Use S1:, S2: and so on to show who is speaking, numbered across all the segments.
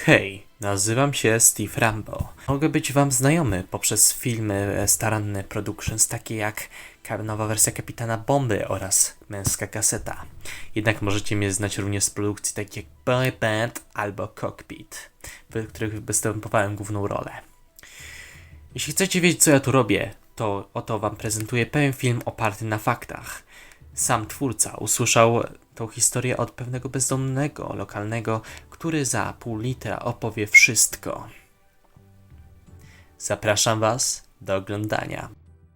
S1: Hej, nazywam się Steve Rambo. Mogę być wam znajomy poprzez filmy staranne productions takie jak nowa wersja Kapitana Bomby oraz Męska kaseta. Jednak możecie mnie znać również z produkcji takich jak Boy Band albo Cockpit, w których występowałem główną rolę. Jeśli chcecie wiedzieć, co ja tu robię, to oto wam prezentuję pewien film oparty na faktach. Sam twórca usłyszał tą historię od pewnego bezdomnego lokalnego, który za pół litra opowie wszystko. Zapraszam was do oglądania.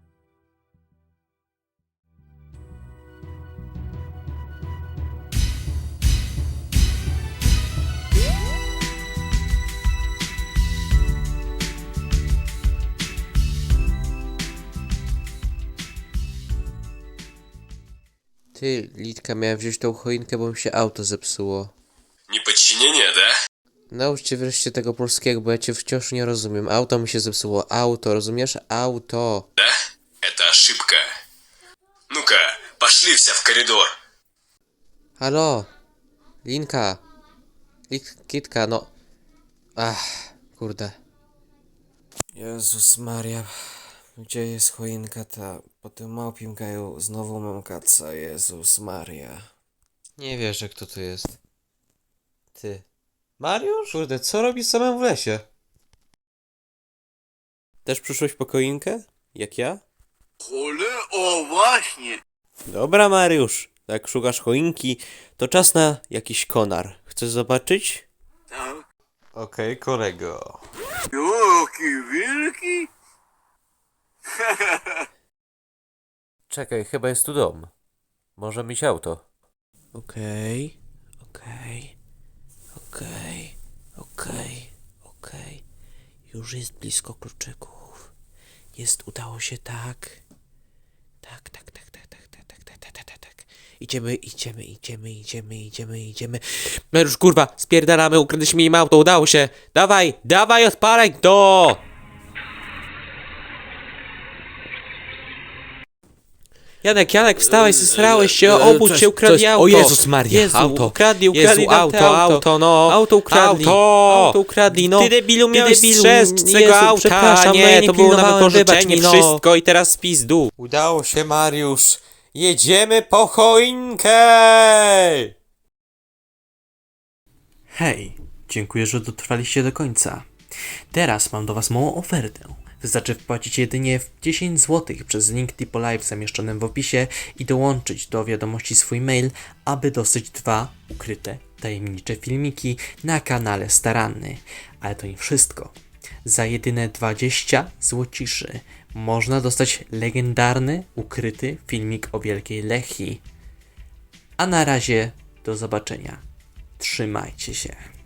S2: Ty, Litka, miałem wziąć tą choinkę, bo mi się auto zepsuło.
S3: Неподчинение, да?
S2: Nauczcie wreszcie tego polskiego, bo ja cię wciąż nie rozumiem. Auto mi się zepsuło. Auto, rozumiesz? Auto.
S3: Да? Это ошибка. Ну-ка, пошли все в коридор.
S2: Halo? Linka. Kitka, no. Kurde. Jezus Maria. Gdzie jest choinka ta? Po tym małpim gaju znowu mam kaca. Jezus Maria. Nie wierzę, kto tu jest. Ty. Mariusz? Kurde, co robisz samemu w lesie? Też przyszłeś po choinkę? Jak ja?
S4: O, właśnie!
S2: Dobra, Mariusz. Jak szukasz choinki, to czas na jakiś konar. Chcesz zobaczyć?
S4: Tak.
S2: Okej, kolego.
S4: Jaki wielki!
S2: Czekaj, chyba jest tu dom. Może mieć auto. Okej. Już jest blisko kluczyków. Udało się, tak. Tak. Idziemy. Mariusz, kurwa, spierdalamy, ukradliśmy mi auto, udało się. Dawaj, odpalaj to! Janek, wstawaj, zesrałeś się, obudź się, ukradli auto.
S1: O Jezus Maria, auto.
S2: Ukradli
S1: Auto, no.
S2: Auto ukradli. Auto ukradli, no.
S1: Ty debilu, miałeś
S2: strzec
S1: z tego auta.
S2: Przepraszam,
S1: Nie,
S2: no ja nie
S1: to było na
S2: pilnowałem,
S1: wypożyczenie,
S2: wybacz mi, no.
S1: wszystko i teraz pizdu.
S2: Udało się, Mariusz. Jedziemy po choinkę!
S1: Hej, dziękuję, że dotrwaliście do końca. Teraz mam do was małą ofertę. Wystarczy wpłacić jedynie 10 zł przez link Tipo Live zamieszczonym w opisie i dołączyć do wiadomości swój mail, aby dostać 2 ukryte, tajemnicze filmiki na kanale Staranny. Ale to nie wszystko. Za jedyne 20 złociszy można dostać legendarny, ukryty filmik o Wielkiej Lechii. A na razie do zobaczenia. Trzymajcie się.